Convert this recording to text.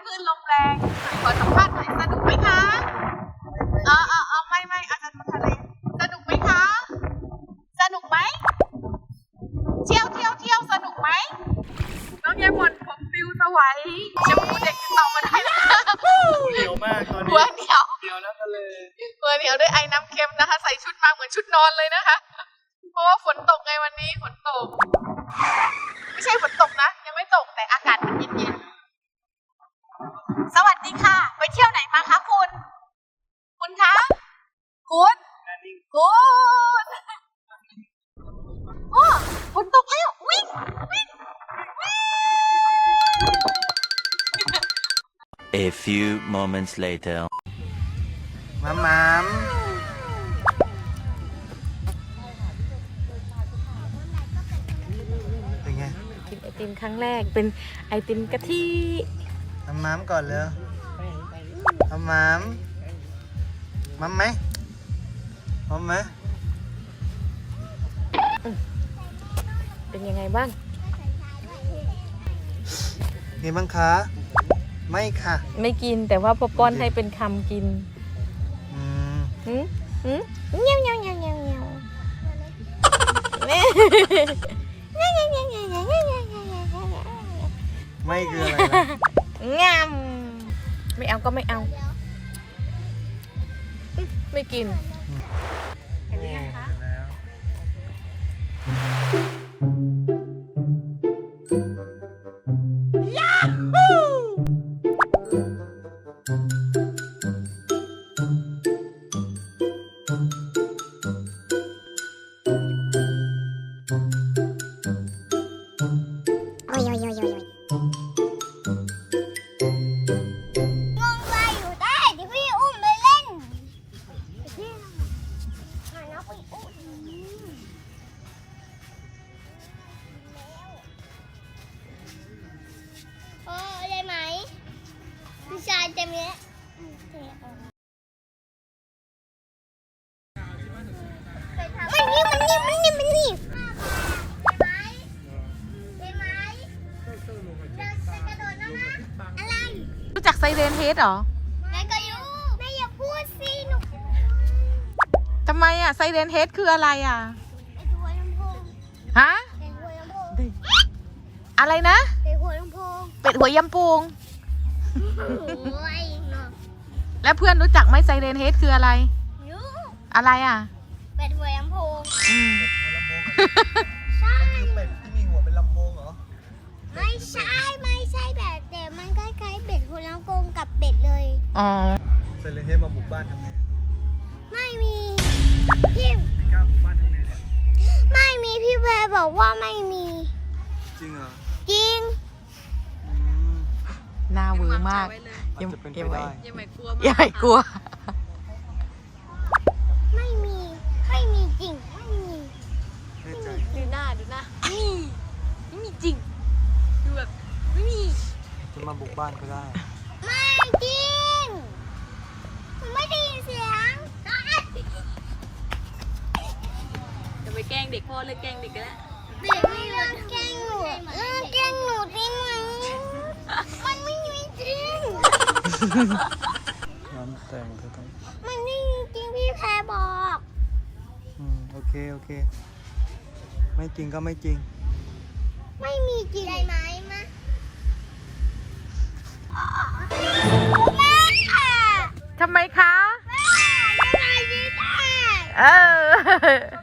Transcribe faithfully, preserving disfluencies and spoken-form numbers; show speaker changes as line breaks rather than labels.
คลื่นลมแรงขอสัมภาษณ์หน่อยสนุกไหมคะเออเออเออไม่ไม่อาจารย์มาทะเลสนุกไหมคะสนุกไหมเที่ยวเที่ยวเที่ยวสนุกไหมน้องยายหมอนผมฟิวสวัยจะพูดเด็กตอบมาได้นะ
เหนียวมากตอนนี้
หัวเหนียว
เหนียวน้ำทะเล
หัวเหนียวด้วยไอ้น้ำเค็มนะคะใส่ชุดมาเหมือนชุดนอนเลยนะคะเพราะว่าฝนตกไงวันนี้ฝนตกไม่ใช่ฝนตกนะยังไม่ตกแต่อากาศมันเย็นๆสวัสดีค่ะไปเที่ยวไหนมาคะคุณคุณคะคุณคุณโอ้ฝนตกแล้ววิ่งวิ่งวิ่ง
A few moments later
มัมมัมเป็นไง
กินไอติมครั้งแรกเป็นไอติมกะทิ
มัมมัมก่อนเลยมัมมัมมัมไหมมัมไหม
เป็นยังไงบ้าง
ไงบ้างคะไม่ค่ะ
ไม่กินแต่ว่าพอป้อนให้เป็นคำกิน
อืม
หืมหืมเงี้ยวเงี้ยวเงี้ยวเงี้ยวเงี้ยว
ไม่คืออะไรนะ
งามไม่เอาก็ไม่เอาไม่กินเห็นไหมคะ
ชายเต็มเลยมันนี่มันนี่มันนี่มันนี่ได้ไหมได้ไหมจะกระโดดแล้วนะอะไร
รู้จักไซเรนเฮดเหรอ
แม่ก็อยู่แม่อย่าพูดสิหนู
ทำไมอ่ะไซเรนเฮดคืออะไรอ่ะ
เป็ดหัวลำโพง
ฮะ
เป็ดหัวลำโพง
อะไรนะ
เป็ดหัวลำโพง
เป็ดหัวยำปูง
โอ้ยเนาะ
แล้วเพื่อนรู้จักไหมไซเรนเฮดคืออะไร
รู้
อะไรอ่ะ
เป็ดหัวลำโพง
อืม
ใช่
เป็ดที่มีหัวเป็นลำโพงเหรอ
ไม่ใช่ไม่ใช่แบบแต่มันคล้ายๆเป็ดหัวลำโพงกับเป็ดเลย
อ๋อ
เซเลนเฮดมาบุกบ้านทำไง
ไม่มีพี่
ไม่กล้าบุกบ้านทำไงเนี่ย
ไม่มีพี่แพรบอกว่าไม่มี
จริงเหรอ
จริง
หน้าเวอร์มาก
ยังเป็นไปได้
ยังไม่กลัวยังไม่กลัว
ไม่มีไม่มีจริงไม่มี
ดูหน้าดูหน้านี่ไม่มีจริงดูแบบไม่มี
จะมาบุกบ้านก็ได้
ไม่จริงผมไม่ได้ยินเสียง
จะไปแกล้งเด็กพ่อเลยแกล้งเด็กกันแล้ว
เด็กไม่เลิกแกล้งหนูเลิกแกล้งหนูได้ไหมมันไม่มีจริง
น้ำแต่งเธอต้อง
มันไม่มีจริงพี่แพรบอก
อืมโอเคโอเคไม่จริงก็ไม่จริง
ไม่มีจริงได้ไหมมาแม่
ทำไมคะ
แม่ยังไงดีได้
เออ